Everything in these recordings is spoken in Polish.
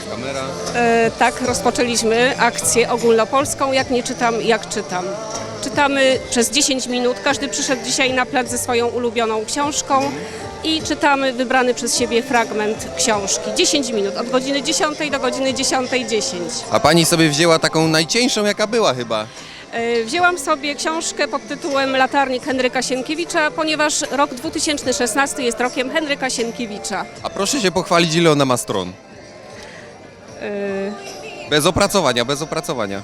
Kamera. Tak, rozpoczęliśmy akcję ogólnopolską Jak nie czytam, jak czytam. Czytamy przez 10 minut. Każdy przyszedł dzisiaj na plac ze swoją ulubioną książką i czytamy wybrany przez siebie fragment książki. 10 minut, od godziny 10 do godziny 10:10. A pani sobie wzięła taką najcieńszą, jaka była chyba. Wzięłam sobie książkę pod tytułem Latarnik Henryka Sienkiewicza, ponieważ rok 2016 jest rokiem Henryka Sienkiewicza. A proszę się pochwalić, ile ona ma stron. Bez opracowania, bez opracowania.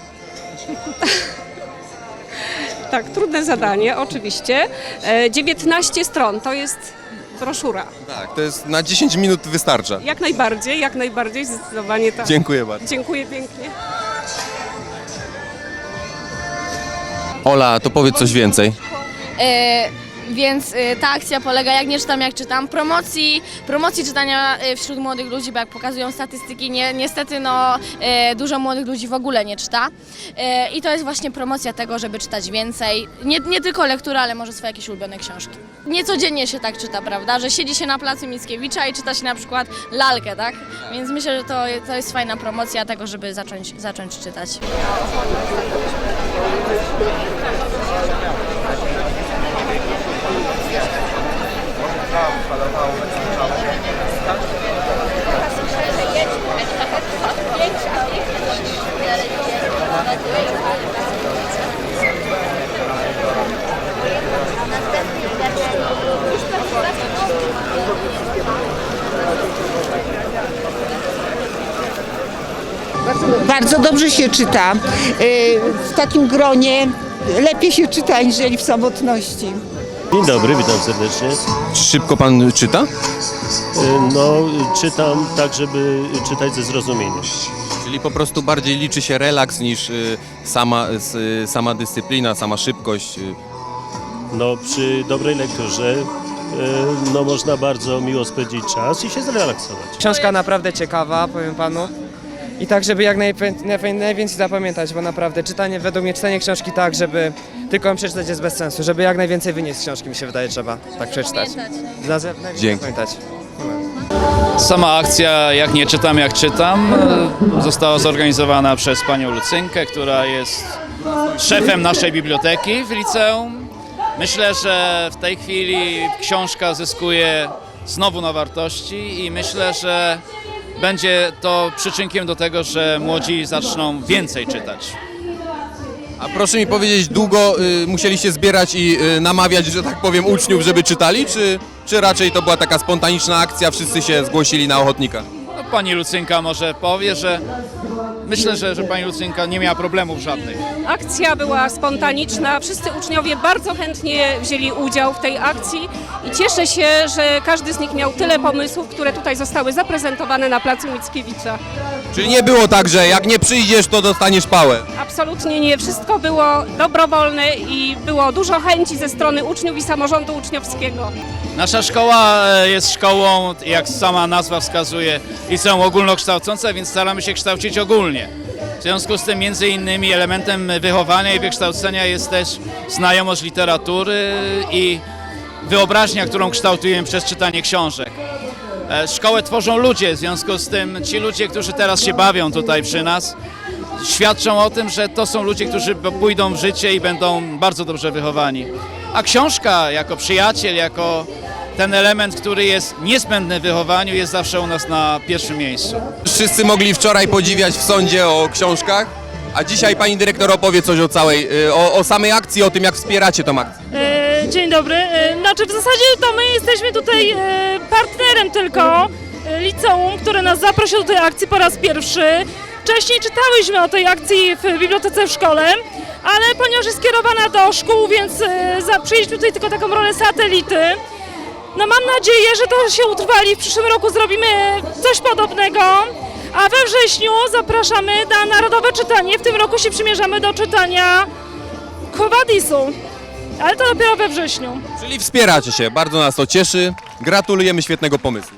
Tak, trudne zadanie, oczywiście. 19 stron, to jest broszura. Tak, to jest na 10 minut wystarcza. Jak najbardziej, zdecydowanie tak. Dziękuję bardzo. Dziękuję pięknie. Ola, to powiedz coś więcej. Więc ta akcja polega, jak nie czytam, jak czytam, promocji czytania wśród młodych ludzi, bo jak pokazują statystyki, niestety dużo młodych ludzi w ogóle nie czyta. I to jest właśnie promocja tego, żeby czytać więcej, nie tylko lektura, ale może swoje jakieś ulubione książki. Niecodziennie się tak czyta, prawda, że siedzi się na placu Mickiewicza i czyta się na przykład lalkę, tak? Więc myślę, że to jest fajna promocja tego, żeby zacząć czytać. Bardzo dobrze się czyta. W takim gronie lepiej się czyta, aniżeli w samotności. Dzień dobry, witam serdecznie. Szybko pan czyta? No, czytam tak, żeby czytać ze zrozumieniem. Czyli po prostu bardziej liczy się relaks niż sama dyscyplina, sama szybkość. No, przy dobrej lekturze no, można bardzo miło spędzić czas i się zrelaksować. Książka naprawdę ciekawa, powiem panu. I tak, żeby jak najwięcej zapamiętać, bo naprawdę według mnie czytanie książki tak, żeby tylko ją przeczytać jest bez sensu. Żeby jak najwięcej wynieść z książki, mi się wydaje, trzeba tak przeczytać. Dzięki. Pamiętać. Sama akcja Jak nie czytam, jak czytam została zorganizowana przez panią Lucynkę, która jest szefem naszej biblioteki w liceum. Myślę, że w tej chwili książka zyskuje znowu na wartości i myślę, że będzie to przyczynkiem do tego, że młodzi zaczną więcej czytać. A proszę mi powiedzieć, długo musieliście zbierać i namawiać, że tak powiem, uczniów, żeby czytali, czy raczej to była taka spontaniczna akcja, wszyscy się zgłosili na ochotnika? No, pani Lucynka może powie, że myślę, że pani Lucynka nie miała problemów żadnych. Akcja była spontaniczna, wszyscy uczniowie bardzo chętnie wzięli udział w tej akcji i cieszę się, że każdy z nich miał tyle pomysłów, które tutaj zostały zaprezentowane na placu Mickiewicza. Czyli nie było tak, że jak nie przyjdziesz, to dostaniesz pałę? Absolutnie nie, wszystko było dobrowolne i było dużo chęci ze strony uczniów i samorządu uczniowskiego. Nasza szkoła jest szkołą, jak sama nazwa wskazuje, liceum ogólnokształcące, więc staramy się kształcić ogólnie. W związku z tym między innymi elementem wychowania i wykształcenia jest też znajomość literatury i wyobraźnia, którą kształtujemy przez czytanie książek. Szkołę tworzą ludzie, w związku z tym ci ludzie, którzy teraz się bawią tutaj przy nas, świadczą o tym, że to są ludzie, którzy pójdą w życie i będą bardzo dobrze wychowani. A książka jako przyjaciel, jako ten element, który jest niezbędny w wychowaniu, jest zawsze u nas na pierwszym miejscu. Wszyscy mogli wczoraj podziwiać w sądzie o książkach, a dzisiaj pani dyrektor opowie coś o samej akcji, o tym, jak wspieracie tą akcję. Dzień dobry. Znaczy w zasadzie to my jesteśmy tutaj partnerem tylko liceum, które nas zaprosiło do tej akcji po raz pierwszy. Wcześniej czytałyśmy o tej akcji w bibliotece w szkole, ale ponieważ jest skierowana do szkół, więc przyjęliśmy tutaj tylko taką rolę satelity. No mam nadzieję, że to się utrwali. W przyszłym roku zrobimy coś podobnego. A we wrześniu zapraszamy na Narodowe Czytanie. W tym roku się przymierzamy do czytania Quo Vadisu. Ale to dopiero we wrześniu. Czyli wspieracie się, bardzo nas to cieszy. Gratulujemy świetnego pomysłu.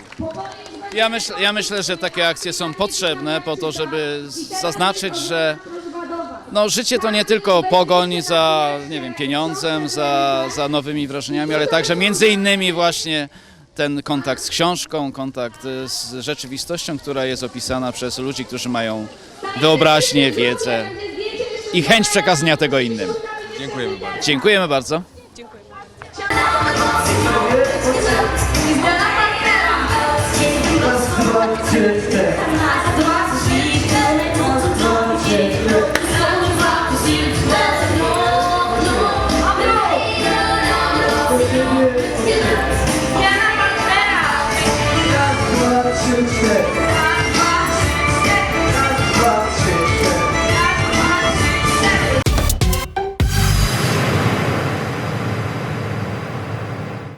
Ja myślę, że takie akcje są potrzebne po to, żeby zaznaczyć, że no, życie to nie tylko pogoń za, nie wiem, pieniądzem, za nowymi wrażeniami, ale także między innymi właśnie ten kontakt z książką, kontakt z rzeczywistością, która jest opisana przez ludzi, którzy mają wyobraźnię, wiedzę i chęć przekazania tego innym. Dziękujemy bardzo. Dziękujemy bardzo. Dziękuję.